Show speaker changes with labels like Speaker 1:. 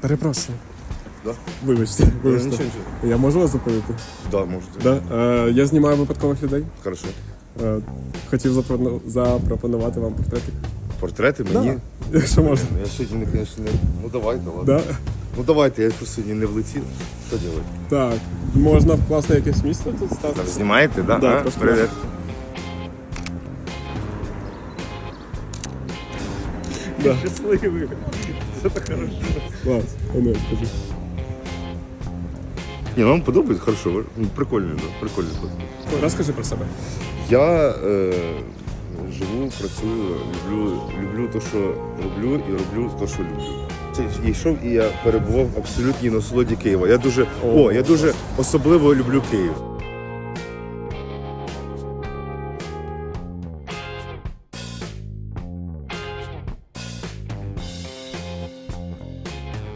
Speaker 1: Перепрошую.
Speaker 2: Да?
Speaker 1: Вибачте.
Speaker 2: Нічого.
Speaker 1: Я можу вас зупинити?
Speaker 2: Да, можете.
Speaker 1: Да? Я знімаю випадкових людей.
Speaker 2: Хорошо.
Speaker 1: Хотів запропонувати вам портретик.
Speaker 2: Портрети мені?
Speaker 1: Да. Якщо можна.
Speaker 2: Я сьогодні, звісно, не... Ну давайте, ладно.
Speaker 1: Да?
Speaker 2: Ну давайте, я просто сьогодні не влетів. Що робити?
Speaker 1: Так, можна в класне якесь місце тут стати.
Speaker 2: Знімаєте, да?
Speaker 1: Да,
Speaker 2: А?
Speaker 1: трошки.
Speaker 2: Привіт.
Speaker 1: Да.
Speaker 2: Щасливий. Це так хорошо.
Speaker 1: Клас, не скажи.
Speaker 2: Ні, вам подобається? Хорошо. Прикольно, да? Прикольно.
Speaker 1: Розкажи про себе.
Speaker 2: Я живу, працюю, люблю те, що роблю, і роблю те, що люблю. Я йшов і я перебував в абсолютній насолоді Києва. Я дуже особливо люблю Київ.